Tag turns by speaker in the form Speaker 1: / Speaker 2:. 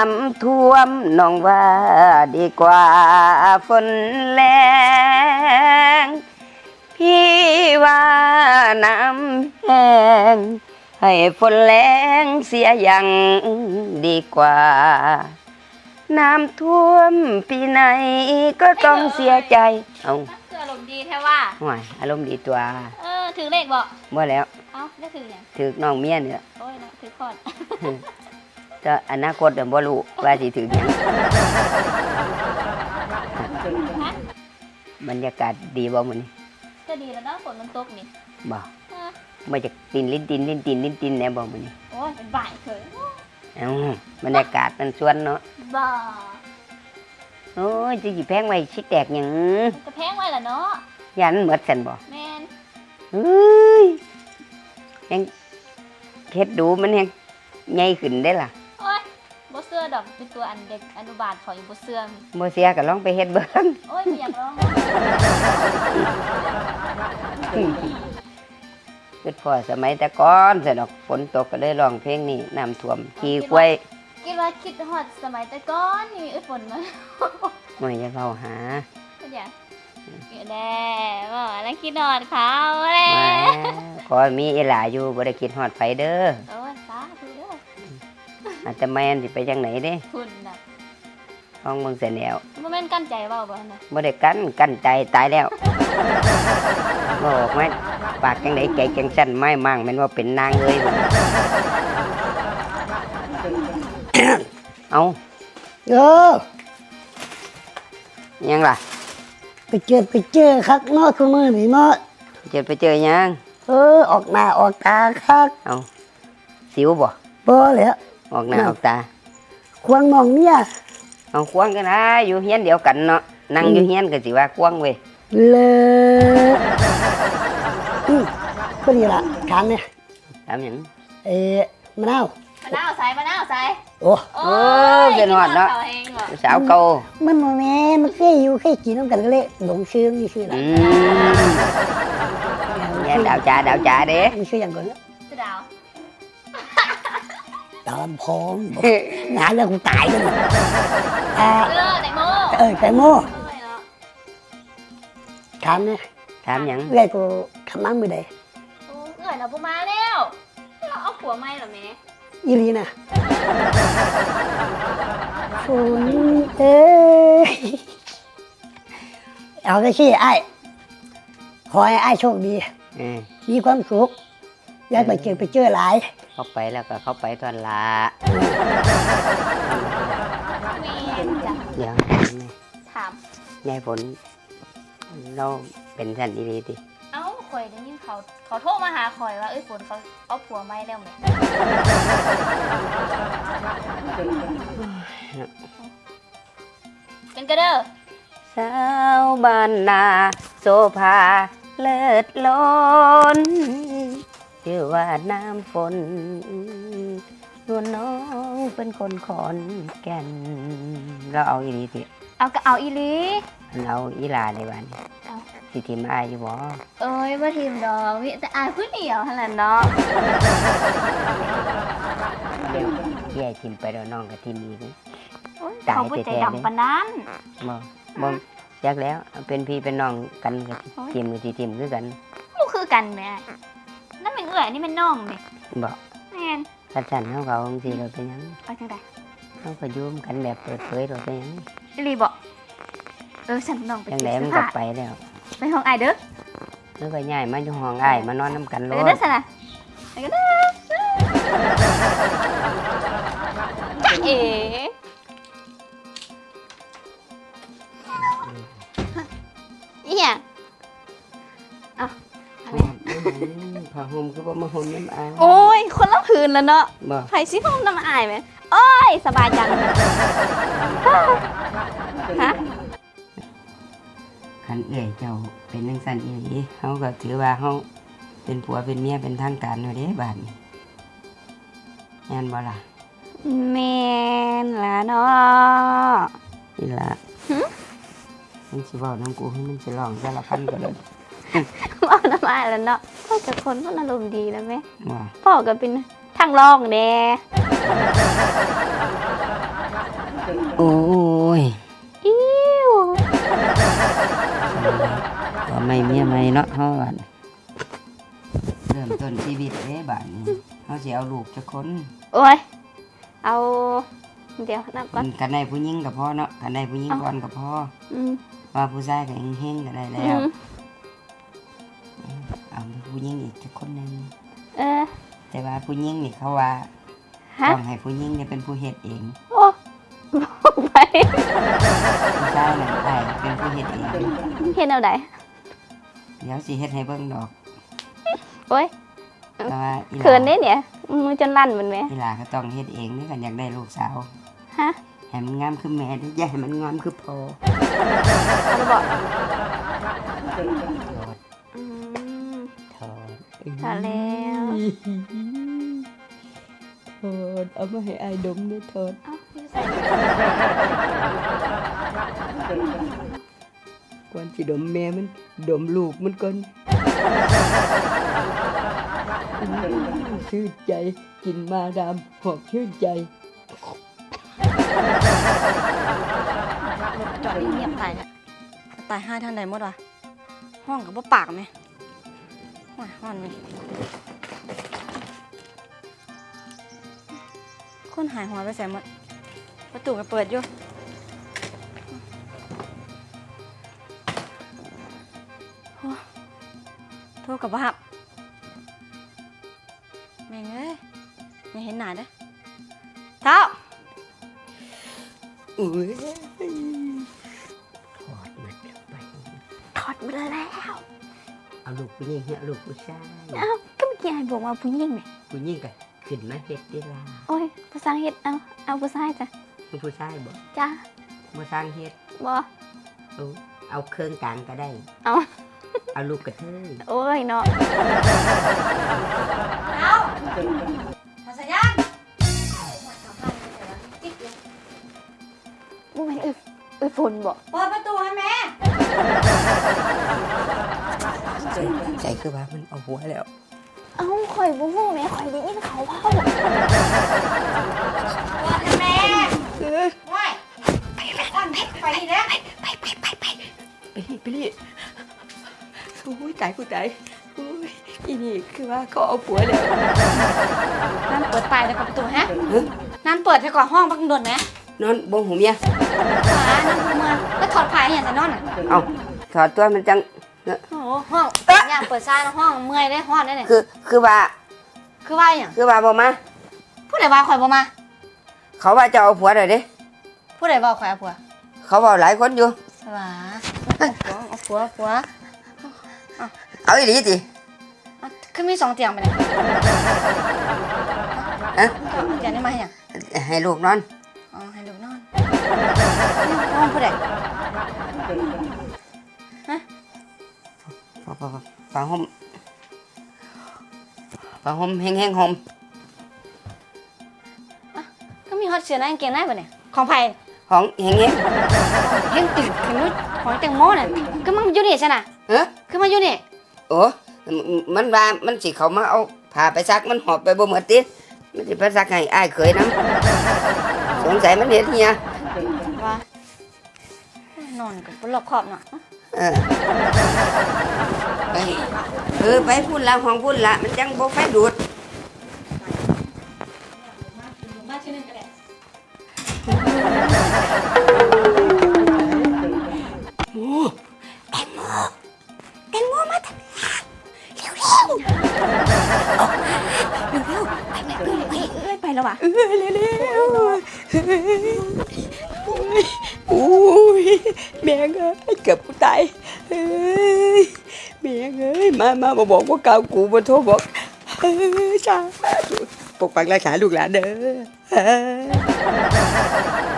Speaker 1: ำท่วมน้องว่าดีกว่าฝนแรงพี่ว่าน้ำแห้งให้ฝนแรงเสียอย่างดีกว่าน้ำท่วมปีไหนก็ต้องเสียใจเอา
Speaker 2: คืออารมณ์ดีแท้ว่า
Speaker 1: ห่วยอารมณ์ดีตัว
Speaker 2: ถือเลขบ่
Speaker 1: เมื่อแล้ว
Speaker 2: เอ้าได้ถืออย่าง
Speaker 1: ถือน้องเมียเนี่ย
Speaker 2: โอ้ยนะถือคอด
Speaker 1: จะอนาคตเดี๋ยวบ่รู้ว่าสิถือหยังบรรยากาศดีบ่มื้อนี้
Speaker 2: ก็ดีแล้วเนาะฝนมันตกนี่
Speaker 1: บ่มาจากตีนลิ้นตีนแน่บ่มื้อนี้
Speaker 2: โอ้ยเป็นบ่ายเถอะ
Speaker 1: บรรยากาศมันชวนเนาะ
Speaker 2: บ่
Speaker 1: โอ้ยสิแพงไว้สิแตกหยัง
Speaker 2: จะแพงไว้ล่ะเนาะ
Speaker 1: ยันหมดซั่นบ่
Speaker 2: แม่น
Speaker 1: เฮ้ยยังเฮ็ดดูมันยังใหญ่ขึ้นได้ล่ะ
Speaker 2: โอ้ยบ่เสื้อดอกเป็นตัวอันเด็กอนุบาลขออยู่บ่เสื้อ
Speaker 1: บ่เสียก็ลองไปเฮ็ดเบิ่ง
Speaker 2: โอ้ยไม่อยากร้อง
Speaker 1: คิดพอสมัยแต่ก่อนซะดอกฝนตกก็เลยร้องเพลงนี้น้ำท่วมขี่กล้วย
Speaker 2: คิดฮอดสมัยแต่ก่อนนี่ฝนมา
Speaker 1: ไม่จะเข้าหา
Speaker 2: ก็อย่างแด่บ่แล้วคิดฮอดเขาแล้
Speaker 1: ขอมีอีหลาอยู่บ่ได้คิดฮอดไผเด้อ
Speaker 2: โอ้ยสาธุเด้อ
Speaker 1: อาจจะแม่นสิไปจังไหนเด้
Speaker 2: คุณน่ะ
Speaker 1: ห้องเบิ่งเสร็จแล้ว
Speaker 2: บ่แม่นกั้นใจเว้าบ่น่ะ
Speaker 1: บ่ได้กั้นใจตายแล้วบ่ออกไหมปากจังได๋ใจจังสั่นไม้มั่งแม่นว่าเป็นนางเลยเอายังล่ะ
Speaker 3: ไปเจอคักเนาะคือมือนี่เนาะ
Speaker 1: ไปเจอยัง
Speaker 3: ออกหน้าออกตาคัก
Speaker 1: เอาสิวบ่
Speaker 3: แล้ว
Speaker 1: ออกหน้าออกตา
Speaker 3: ควงน้องเนี่ย
Speaker 1: เอาควงกันนะอยู่เฮียนเดียวกันเนาะนั่งอยู่เฮียนก็สิว่าควงเว้ย
Speaker 3: เลยก็ดีละถามเนี่ย
Speaker 1: ถามหยัง
Speaker 3: มะนาว
Speaker 2: ใส่
Speaker 3: โอ้
Speaker 1: เป็นหอดเนาะสาวเก่า
Speaker 3: มันโมแม่มันเคยอยู่เคยกินน้ำกันก็เลยหลงชื่อนี่ชื่อละ
Speaker 1: เนี่ยดาวจ่าเด้
Speaker 3: มีชื่ออย่างก่อนแล้ว
Speaker 2: ดาว
Speaker 3: ลำพองงานแล้วกูตายเลย
Speaker 2: แตงโม
Speaker 3: ถามเนี่ย
Speaker 1: ถามหยัง
Speaker 3: เรื่อยกูทำมั่งมือใด
Speaker 2: เราปุ๊มาแล้วเราเอาผัวไม่หรอแม่
Speaker 3: อีลีน่ะฝนเอาได้ขี้ไอ้ขอให้ไอ้โชคดีมีความสุขอยากไปเจอหลาย
Speaker 1: เข้าไปแล้วก็เข้าไปตอนละยัง
Speaker 2: ถาม
Speaker 1: ยายฝนเราเป็นท่านดีดิ
Speaker 2: เอ้าข่อยได้ยินเขาโทรมาหาข่อยว่าฝนเขาเอาผัวไม่แล้วไหมเป็นกระเด้อ
Speaker 1: สาวบ้านนาโซภาเลิศล้นชื่อว่าน้ำฝนนวลน้องเป็นคนขอนแก่นเราเอาอีลีสิ
Speaker 2: เอาก็เอาอีลี
Speaker 1: เราอีลาในวันสิทีมอายอยู่บ่
Speaker 2: ว่าทีมดอกมีแต่อายผู้เดียวขนาดเนาะ
Speaker 1: เดี๋ยวแย่ทีมไปแล้วน้องกับทีมอีก
Speaker 2: ตายใจดำปานนั้น
Speaker 1: บ่แยกแล้วเป็นพี่เป็นน้องกันกับทีมคือกัน
Speaker 2: มันคือกันแม่นั่นเป็นนี่เป็นน้องเด็ก
Speaker 1: บอก
Speaker 2: แม่น
Speaker 1: กันเขาบางทีเราเป็นยัง
Speaker 2: เอาจังได
Speaker 1: เขาก็ยุ่มกันแบบเปิดเผยเราเป็นยัง
Speaker 2: รีบอกฉันน้องไป
Speaker 1: จังไดมันก็ไปแล้ว
Speaker 2: ไปห้องไอเด้อ
Speaker 1: แล้วก็ย้ายมาอยู่ห้องไอมานอนน้ำกันเลย
Speaker 2: เด้อสินะไปกันเด้อจ๊ะเอ๋อีหยัง
Speaker 1: ผ้าห่มคือว่ามาห่มน้ำอาย
Speaker 2: โอ้ยคนละผืนแล้วเนาะไผ่ซิห่มน้ำอายไหมโอ้ยสบายจังฮะ
Speaker 1: ขันเอื่อยเจ้าเป็นนังสันอีหลีเขาก็ถือว่าเขาเป็นผัวเป็นเมียเป็นทางการอยู่เด้บ้านแม่นบ่ล่ะ
Speaker 2: แม่นล่ะเนาะ
Speaker 1: นี่ล่ะมันสิเว้าน้ำกูให้มันสิร้องสารพันก็เลย
Speaker 2: ว่าน้ำอายแล้วเนาะพ่อจะคนพ่ออารมณ์ดีแล้วไหมพ่อก็เป็นทางรองแน่
Speaker 1: โอ้ย
Speaker 2: อิ้ว
Speaker 1: ก็ไม่เมียไม่เนาะเฮาบัดเริ่มต้นชีวิตเด้บัดนี้เฮาสิเอาลูกจักคน
Speaker 2: โอ้ยเอาเดี๋ยวนับก่อน
Speaker 1: กันได้ผู้หญิงก็พอเนาะกันได้ผู้หญิงก่อนก็พอ
Speaker 2: อืม
Speaker 1: ว่าผู้ชายก็เฮงๆก็ได้
Speaker 2: อื
Speaker 1: แล้ว
Speaker 2: ม
Speaker 1: เอาผู้หญิงอีกจักคนหนึง
Speaker 2: เออ
Speaker 1: แต่ว่าผู้หญิงนี่เขาว่า
Speaker 2: ฮะ
Speaker 1: ต้องให้ผู้หญิงเนี่ยเป็นผู้เฮ็ดเอง
Speaker 2: โอ้บอกไป
Speaker 1: ผู้ชายนั่นอ้ายเป็นผู้เฮ็ดเอง
Speaker 2: เห็นเอาไหน
Speaker 1: เดี๋ยวสิเฮ็ดให้เบิ่งดอก
Speaker 2: โอ้ย
Speaker 1: แต่ว่าอีห
Speaker 2: เขิน
Speaker 1: ลา
Speaker 2: ได้เนี่ยมือจนลั่นมันไหม
Speaker 1: อีหลาก็ต้องเฮ็ดเองเด้อกันอยากได้ลูกสาว
Speaker 2: ฮะ
Speaker 1: ให้มันงามคือแม่เด้ออย่าให้มันงามคือพ่อ
Speaker 2: เอาไปบอก
Speaker 1: ถอด
Speaker 2: อืม
Speaker 1: ถอด
Speaker 2: ถอดแล้ว
Speaker 1: ถอดเอามาให้อายดมเด้อถอด
Speaker 2: เอ้าอยู่ใส่
Speaker 1: ก่อนสิดมแม่มันดมลูกมันก่อนชื่นใจกินมาดามหอมชื่นใจ
Speaker 4: จอดเงียบตายเนี่ยตายห้าท่านใดหมดวะห้องกับว่าปากไหมห้องนี่คนหายหัวไปใส่หมดประตูก็เปิดอยู่โอ้โทษกับว่าแม่งเอ้ยไม่เห็นหน้าเด้อเท้า
Speaker 1: อุ้ยถอดมันออกไป
Speaker 2: ถอดไปแล้ว
Speaker 1: เอาลูกผู้หญิงเอาลูกผู้ชาย
Speaker 2: เอ้าก็เมื่อกี้ไอ้บอกว่าผู้หญิงไหม
Speaker 1: ผู้หญิงก็ขึ้นมาเฮ็ดได้ล่ะ
Speaker 2: โอ้ยภาษาเฮ็ดเอาภาษาจ้ะ
Speaker 1: ผู้ชายบ่
Speaker 2: จ้า
Speaker 1: บ่สร้างเฮ็ด
Speaker 2: บอ
Speaker 1: เอาเครื่องกลางก็ได้
Speaker 2: เอา
Speaker 1: เอาลูกกระเทย
Speaker 2: โอ้ยเนาะ
Speaker 4: ภาษายัน
Speaker 2: บ่แม่นฝนบ่
Speaker 4: เปิดประตูให้แม่
Speaker 1: ใจคือว่ามันเอาหัวแล้ว
Speaker 2: เอ้าข่อยบ่ฮู้แม่ข่อยได้ยินเขาเว้า
Speaker 4: เปิดให้แม่ว้ายไปนี่นะ
Speaker 1: ไปรีโอ้ยตายกูตายโอ้ยอีนี่คือว่าเขาเอาผัวแล้ว
Speaker 4: นั่นเปิดไปแล้วกับประตูฮะนั่นเปิดให้ก่อนห้องบังโดนไหม
Speaker 1: นอนบ่หูเมีย
Speaker 4: ขานั่นคือมาแล้วถอดผ้าอย่างจะนอนอ่ะ
Speaker 1: เอาถอดตัวมันจัง
Speaker 4: โอ้โหห้องย่างเปิดซ่าห้องเมื่อยได้ห้องได้เนี่ย
Speaker 1: คือว่า
Speaker 4: คือว่าอย่าง
Speaker 1: คือว่าบ่มา
Speaker 4: ผู้ใดว่าข่อยบ่มา
Speaker 1: เขาว่าจะเอาผัวเลยเด้
Speaker 4: ผู้ใดว่าข่อยเอาผัว
Speaker 1: เขาบอกหลายคนอยู่
Speaker 4: สว่าเอาผัว
Speaker 1: เอาอีหลีติ
Speaker 4: คือมี2 เตียงไปเนี่ย
Speaker 1: ฮะ
Speaker 4: เตียงนี้มาให้หยัง
Speaker 1: ให้ลูกนอน
Speaker 4: อ๋อให้ลูกนอนห้องผู้ใด
Speaker 1: ผ้าห่มแห้งๆห่ม
Speaker 4: ก็มีฮอตเสื้อในกางเกงในบ่เนี่ยของไผ
Speaker 1: ของแห้ง
Speaker 4: เรื่องตื่นขึ้นนู้นของแตงโมน่ะก็มันอยู่นี่ใช่น่ะ
Speaker 1: ๆเอ้อ
Speaker 4: คือมาอยู่นี่
Speaker 1: โอ้มันว่ามันสิเขามาเอาผ้าไปซักมันหอบไปบ่หมดติมันสิไปซักให้อ้ายเคยนํสงสัยมันเฮ็ดเฮีย
Speaker 4: ว่านอนกับบ่รอบคอบเนาะ
Speaker 1: เออไปไปพุ่นละห้องพุ่นละมันจังบ่ไฟดูด
Speaker 4: มาชื่อนึงก็ได้
Speaker 2: แตงโมมาทำไปแล้วว่ะ
Speaker 1: โอ้ยแม่เอ้ยเกือบกูตายเอ้ยแม่เอ้ยมาบอกว่าเก่ากูมาโทรบอกจ้าปกปักรักษาลูกหลานเด้อ